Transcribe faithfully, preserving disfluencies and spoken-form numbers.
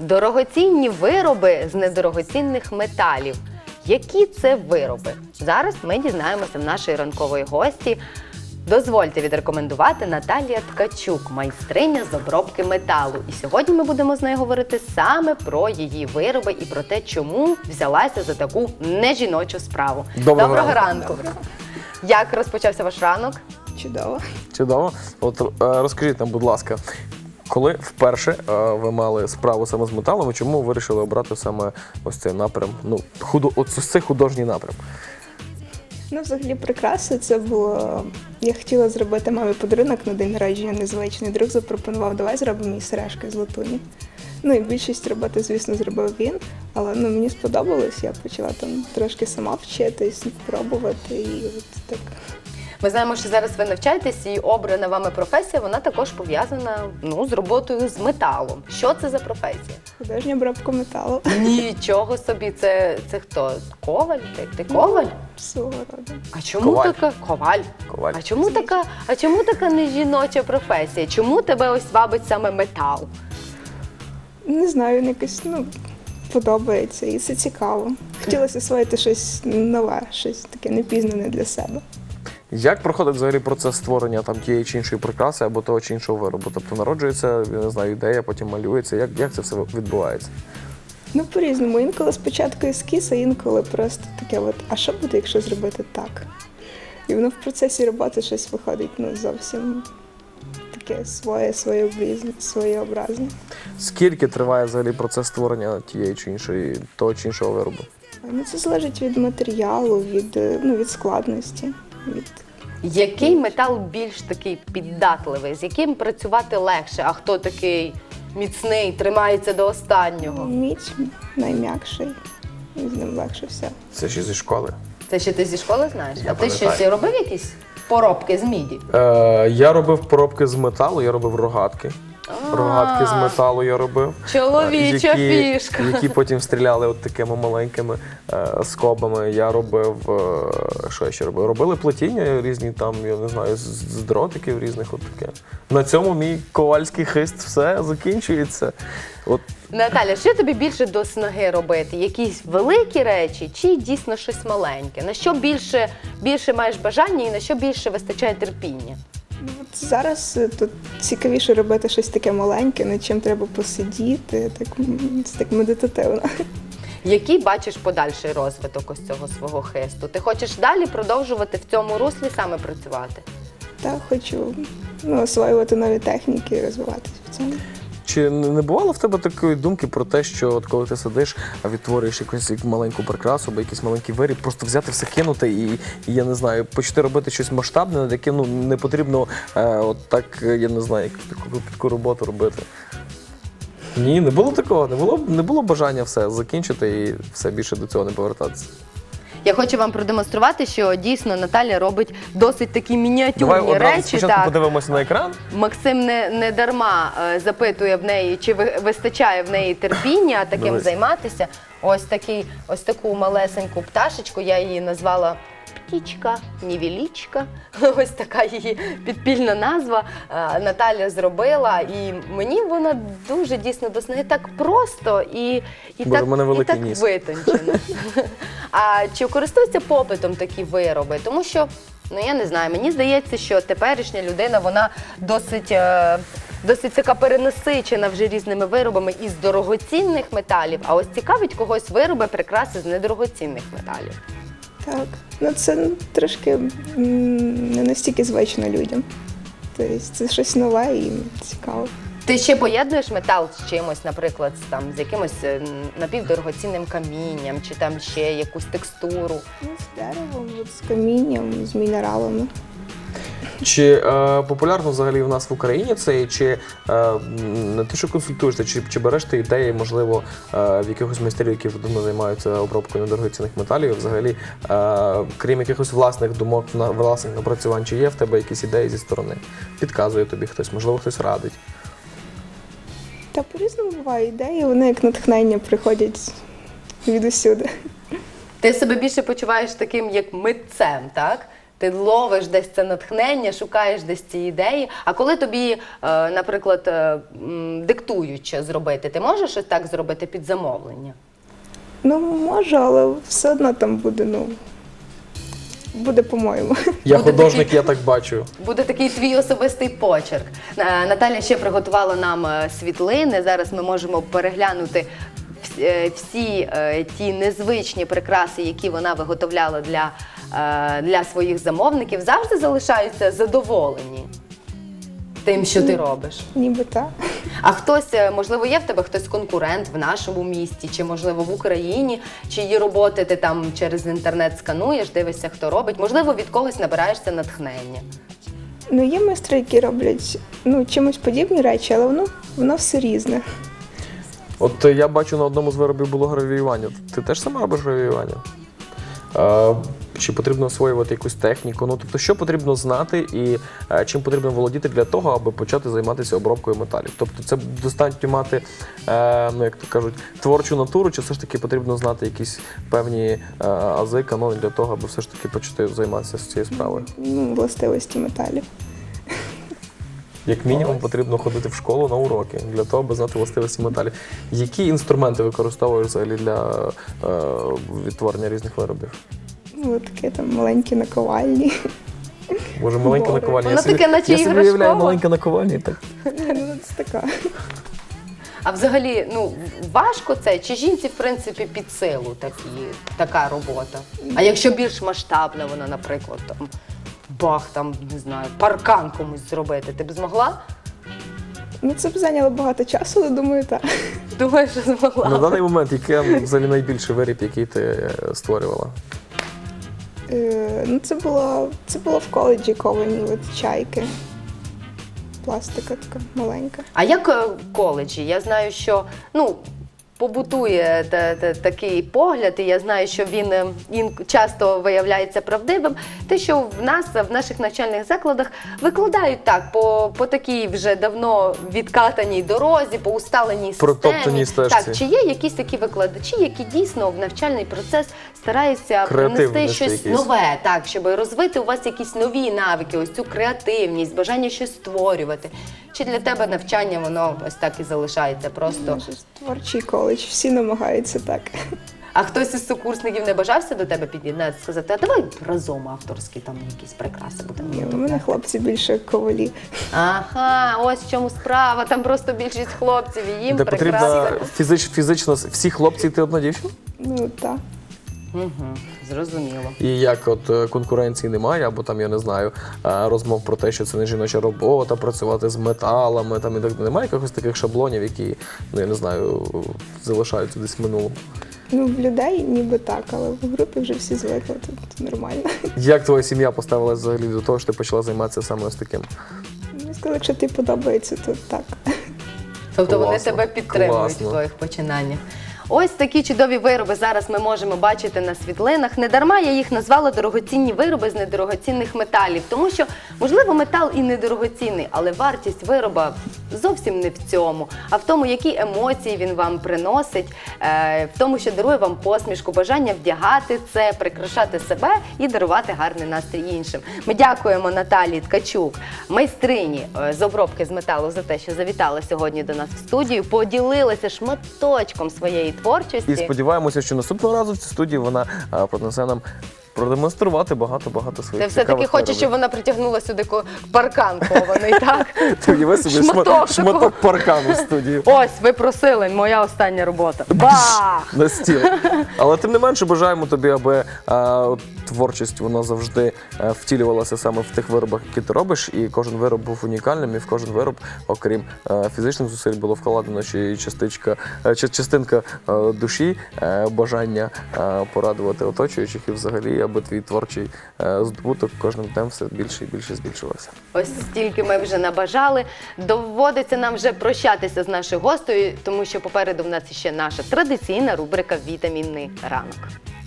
Дорогоцінні вироби з недорогоцінних металів. Які це вироби? Зараз ми дізнаємося в нашої ранкової гості. Дозвольте відрекомендувати Наталія Ткачук, майстриня з обробки металу. І сьогодні ми будемо з нею говорити саме про її вироби і про те, чому взялася за таку нежіночу справу. Доброго, Доброго ранку. ранку! Доброго. Як розпочався ваш ранок? Чудово. Чудово. От е, розкажіть нам, будь ласка, коли вперше е, ви мали справу саме з металом, і чому ви вирішили обрати саме ось цей напрям, ну, худо, ось цей художній напрям? Ну, взагалі, прикраси це було... Я хотіла зробити мамі подарунок на день народження незвичний. Друг запропонував, давай зробимо їй сережки з латуні. Ну і більшість роботи, звісно, зробив він, але ну, мені сподобалось, я почала там трошки сама вчитись, пробувати і от так. Ми знаємо, що зараз ви навчаєтесь, і обрана вами професія, вона також пов'язана, ну, з роботою з металом. Що це за професія? Художня обробка металу. Нічого собі, це, це хто? Коваль? Ти, ти коваль? Свого роду. А чому Коваль. така коваль? Коваль. А чому така, а чому така нежіноча професія? Чому тебе ось вабить саме метал? Не знаю, він якось, ну, подобається і це цікаво. Хотілося освоїти щось нове, щось таке непізнане для себе. Як проходить взагалі процес створення там тієї чи іншої прикраси або того чи іншого виробу? Тобто народжується, я не знаю, ідея, потім малюється. Як, як це все відбувається? Ну, по-різному. Інколи спочатку ескіз, а інколи просто таке от, а що буде, якщо зробити так? І воно в процесі роботи щось виходить, ну, зовсім таке своє, своєобразне. своєобразне. Скільки триває взагалі процес створення тієї чи іншої, того чи іншого виробу? Ну, це залежить від матеріалу, від, ну, від складності, від... Який метал більш такий піддатливий? З яким працювати легше? А хто такий міцний, тримається до останнього? Мідь найм'якший, і з ним легше все. Це ще зі школи. Це ще ти зі школи знаєш? Я а ти пам'ятаю. щось робив якісь поробки з міді? Е, я робив поробки з металу, я робив рогатки. Рогатки з металу я робив. Чоловіча які, фішка. Які потім стріляли от такими маленькими е, скобами. Я робив, е, що я ще робив? Робили плетіння різні там, я не знаю, з, з дротиків різних от таке. На цьому мій ковальський хист все закінчується. От. Наталя, що тобі більше до снаги робити? Якісь великі речі чи дійсно щось маленьке? На що більше, більше маєш бажання і на що більше вистачає терпіння? Ну, от зараз е, тут цікавіше робити щось таке маленьке, над чим треба посидіти, так, м, це так медитативно. Який бачиш подальший розвиток ось цього свого хисту? Ти хочеш далі продовжувати в цьому руслі саме працювати? Та хочу, ну, освоювати нові техніки і розвиватися в цьому. Чи не бувало в тебе такої думки про те, що от коли ти сидиш, а відтворюєш якусь маленьку прикрасу або якийсь маленький виріб, просто взяти все кинути і, і я не знаю, почати робити щось масштабне, над яким ну, не потрібно е, от так, я не знаю, якусь таку кропітку роботу робити? Ні, не було такого, не було, не було бажання все закінчити і все більше до цього не повертатися. Я хочу вам продемонструвати, що дійсно Наталя робить досить такі мініатюрні Давай одразу речі. спочатку Так. подивимося на екран. Максим не, не дарма е, запитує в неї, чи ви, вистачає в неї терпіння таким Дивись. займатися. Ось, такий, ось таку малесеньку пташечку, я її назвала птічка, нівелічка. Ось така її підпільна назва е, Наталя зробила. І мені вона дуже дійсно до снаги так просто і, і Боже, так, в мене і великий так ніс. витончено. А чи користуються попитом такі вироби? Тому що, ну я не знаю, мені здається, що теперішня людина, вона досить, е, досить така перенасичена вже різними виробами із дорогоцінних металів, а ось цікавить когось вироби, прикраси з недорогоцінних металів. Так, ну це трошки м, не настільки звично людям. Тобто це щось нове і цікаво. Ти ще поєднуєш метал з чимось, наприклад, з, там, з якимось е, напівдорогоцінним камінням, чи там ще якусь текстуру? Ну, з деревом, от, з камінням, з мінералами. Чи е, популярно взагалі в нас в Україні це, і чи е, не те, що консультуєшся, чи, чи береш ти ідеї, можливо, е, в якихось майстрів, які давно займаються обробкою недорогоцінних металів, взагалі, е, крім якихось власних думок, на- власних напрацювань, чи є в тебе якісь ідеї зі сторони? Підказує тобі хтось, можливо, хтось радить. Та по-різному буває ідеї, вони як натхнення приходять відусюди. Ти себе більше почуваєш таким, як митцем, так? Ти ловиш десь це натхнення, шукаєш десь ці ідеї. А коли тобі, е, наприклад, е, м, диктують, що зробити, ти можеш ось так зробити під замовлення? Ну, можу, але все одно там буде, ну, буде по-моєму. Я Буде художник, такий- я так бачу. Буде такий твій особистий почерк. Е, Наталя ще приготувала нам е, світлини. Зараз ми можемо переглянути вс- е, всі е, ті незвичні прикраси, які вона виготовляла для, е, для своїх замовників. Завжди залишаються задоволені тим, що ти робиш. Ніби так. А хтось, е, можливо, є в тебе хтось конкурент в нашому місті, чи можливо в Україні, чиї роботи ти там через інтернет скануєш, дивишся, хто робить. Можливо, від когось набираєшся натхнення. Ну, є майстри, які роблять, ну, чимось подібні речі, але воно, воно все різне. От е, я бачу, на одному з виробів було гравіювання. Ти теж сама робиш гравіювання? Е, Чи потрібно освоювати якусь техніку? Ну, тобто, що потрібно знати і е, чим потрібно володіти для того, аби почати займатися обробкою металів? Тобто, це достатньо мати, е, ну, як то кажуть, творчу натуру, чи все ж таки потрібно знати якісь певні е, ази, канони для того, аби все ж таки почати займатися цією справою? Ну, властивості металів. Як мінімум, потрібно ходити в школу на уроки для того, аби знати властивості металів. Які інструменти використовуєш взагалі для е, відтворення різних виробів? Ну, таке там маленькі наковальні. Може, маленька Боже. наковальня? Воно Я собі- таке, наче я собі іграшкове. уявляю маленька наковальня. Так. Ну, це така. А взагалі, ну, важко це? Чи жінці, в принципі, під силу такі, така робота? А якщо більш масштабна вона, наприклад, там, бах, там, не знаю, паркан комусь зробити, ти б змогла? Ну, це б зайняло багато часу, але думаю, так. Думаю, що змогла. На даний момент, який взагалі найбільший виріб, який ти е, створювала? Е, ну, це було, це було в коледжі ковані от чайки. Пластика така маленька. А як е, в коледжі? Я знаю, що, ну, побутує та, та, такий погляд, і я знаю, що він, е, він часто виявляється правдивим. Те, що в нас, в наших навчальних закладах викладають так, по, по такій вже давно відкатаній дорозі, по усталеній системі. Протоптаній стежці. Так, чи є якісь такі викладачі, які дійсно в навчальний процес стараються Креатив принести внести щось якийсь. нове, так, щоб розвити у вас якісь нові навики, ось цю креативність, бажання щось створювати? Чи для тебе навчання воно ось так і залишається просто? Це ж творчий коледж, всі намагаються так. А хтось із сукурсників не бажався до тебе під'єднатися, сказати, а давай разом авторські там якісь прикраси будемо Ні, у робити? мене хлопці більше ковалі. Ага, ось в чому справа, там просто більшість хлопців, і їм Де прикраси. потрібно фізич, фізично всі хлопці, і ти одна дівчина? Ну, так. Угу, зрозуміло. І як от е, конкуренції немає, або там, я не знаю, е, розмов про те, що це не жіноча робота, працювати з металами, там і так далі. Немає якихось таких шаблонів, які, ну я не знаю, залишаються десь в минулому. Ну, в людей ніби так, але в групі вже всі звикли, тут нормально. Як твоя сім'я поставилася взагалі до того, що ти почала займатися саме ось таким? Ну, сказали, якщо тобі подобається, то так. Тобто вони Класно, тебе підтримують класно. в твоїх починаннях. Ось такі чудові вироби зараз ми можемо бачити на світлинах. Недарма я їх назвала дорогоцінні вироби з недорогоцінних металів, тому що, можливо, метал і недорогоцінний, але вартість вироба зовсім не в цьому, а в тому, які емоції він вам приносить, е, в тому, що дарує вам посмішку, бажання вдягати це, прикрашати себе і дарувати гарний настрій іншим. Ми дякуємо Наталії Ткачук, майстрині е, з обробки з металу, за те, що завітала сьогодні до нас в студію, поділилася шматочком своєї творчості. І сподіваємося, що наступного разу в цій студії вона е, принесе нам продемонструвати багато-багато Ти своїх все-таки цікавих хочеш, щоб виробів. вона притягнула сюди ко- паркан кований, так? Ти уяви собі Шматок шматок, такого. шматок паркану в студії. Ось, ви просили, моя остання робота. Бах! На стіл. Але тим не менше бажаємо тобі, аби е, от творчість вона завжди е, втілювалася саме в тих виробах, які ти робиш, і кожен вироб був унікальним, і в кожен вироб, окрім е, фізичних зусиль, було вкладено ще й частичка, е, чи- частинка е, душі, е, бажання е, порадувати оточуючих, і взагалі, аби твій творчий е, здобуток кожним днем все більше і більше збільшувався. Ось стільки ми вже набажали. Доводиться нам вже прощатися з нашою гостею, тому що попереду в нас ще наша традиційна рубрика «Вітамінний ранок».